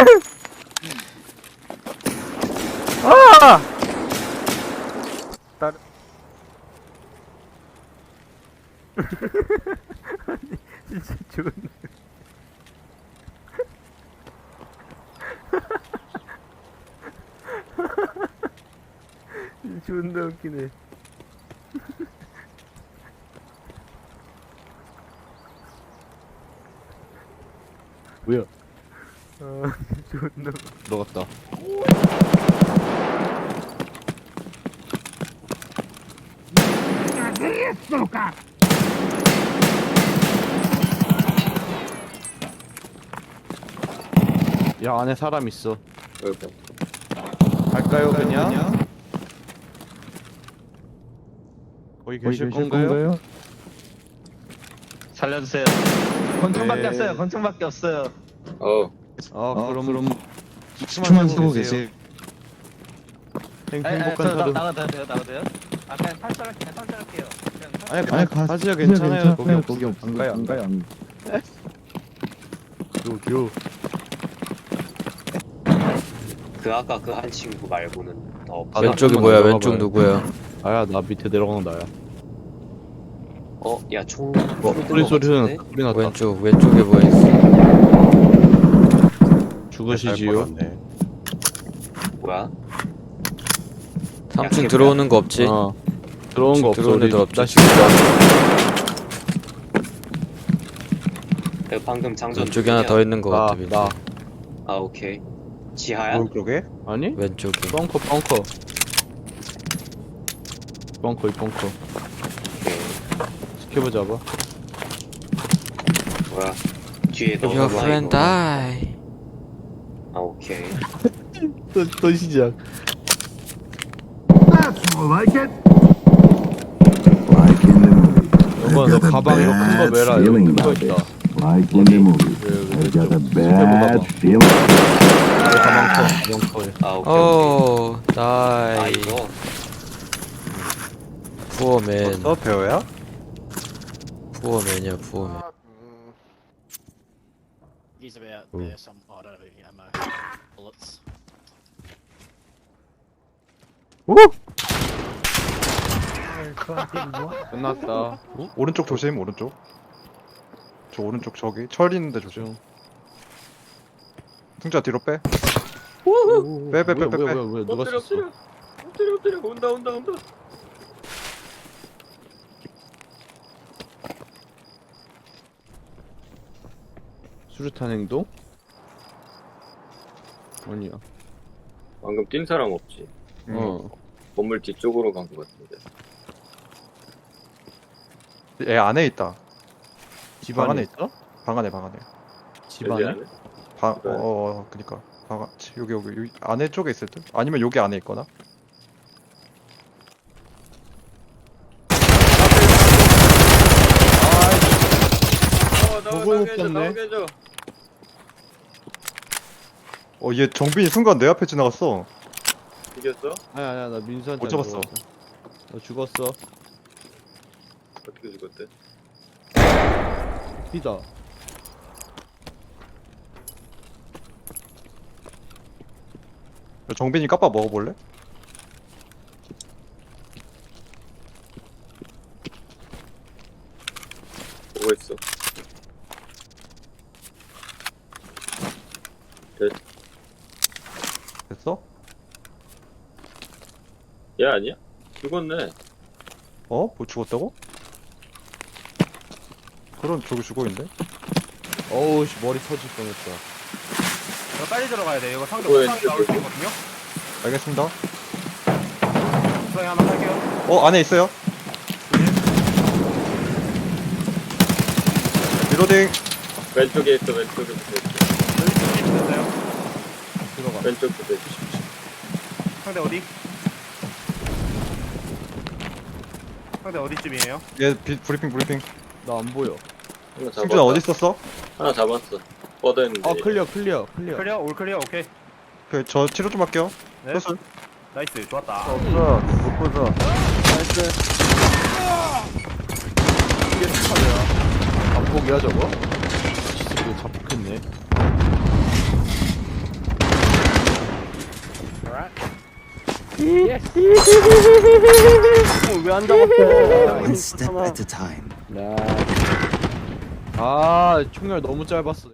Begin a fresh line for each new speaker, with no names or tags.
아! 다른 아니 진짜 존나 존나 웃기네.
뭐야?
아 존나
들어갔다. 야, 안에 사람 있어.
어이구.
갈까요, 그냥? 거기 계실 건가요?
살려주세요. 권총밖에
네.
없어요. 권총밖에 없어요.
그럼
수만 쓰고 계세요.
행복한
저
하루.
나가도 돼요? 나가도 돼요? 아 그냥 탈출할게요.
아니,
아니,
가시죠. 괜찮아요.
거기
안 가요, 안 가요. 요.
그 아까 그 한 친구 말고는 더 없어.
왼쪽이
한번
뭐야?
들어가
왼쪽
봐요.
누구야?
나야, 나 밑에 내려가는 나야.
야, 총.
소리는 소리 났다.
왼쪽에 뭐 있어?
죽으시지요.
뭐야?
3층 들어오는 거 없지?
들어온 거 없어.
들어오는
우리
애들 없지?
자식.
내가 방금 장전.
왼쪽에 하나 더 있는 거 같아. 민수.
나.
아, 오케이. 지하야?
오른쪽에? 아니?
왼쪽에.
벙커. 벙커.
오케이.
스케브 잡아.
뭐야? 뒤에 너.
Your friend die.
아, 오케이.
또 시작. 여보, 너 가방 이거 큰 거 매라. 이거 큰거 있다.
Like in the movie. I got a bad feeling.
가방 커.
아, 오케이.
오,
아,
die.
이거.
부어맨.
너 배우야?
부어맨이야, 부어맨.
He's about there, some auto ammo bullets.
오!
끝났다.
오른쪽 조심, 오른쪽. 저 오른쪽 저기 철 있는데 조심. 승자 뒤로 빼. 빼.
뭐야, 누가 썼어?
엎드려. 온다.
수류탄 행동? 아니야.
방금 뛴 사람 없지. 건물 뒤쪽으로 간 것 같은데.
얘 안에 있다.
집
방
안에
안에
있어?
방 안에.
집 안에?
그니까. 여기 안에 쪽에 있을 듯? 아니면 여기 안에 있거나?
보고 웃겼네.
얘 정빈이 순간 내 앞에 지나갔어.
이겼어?
아니야, 나 민수한테
못 잡았어.
너 죽었어.
어떻게 죽었대?
피다.
정빈이 까빠 먹어볼래?
보고 있어.
됐어?
얘 아니야? 죽었네.
뭐 죽었다고? 그럼 저기 죽어있는데?
어우, 씨, 머리 터질 뻔했다.
너 빨리 들어가야 돼. 이거 상대
뭐야,
옥상에 나올 수 있거든요.
알겠습니다.
옥상에 하나 할게요.
안에 있어요. 리로딩.
왼쪽에 있어. 왼쪽에 붙어 있어.
여기 좀 있었어요.
들어가.
왼쪽 붙어 있어.
상대 어디? 상대 어디쯤이에요?
얘 브리핑.
나 안 보여.
하나 잡았다.
승준아 어디 있었어?
하나 잡았어. 뻗어있는데.
클리어.
클리어? 올 클리어? 오케이.
저 치료 좀 할게요.
네.
수술.
나이스. 좋았다.
없어. 못 보자. 나이스. 이게 축하야. 잡폭이야, 저거? 이거 잡폭했네. 왜안 잡았어?
One step at a time.
아, 총알 너무 짧았어.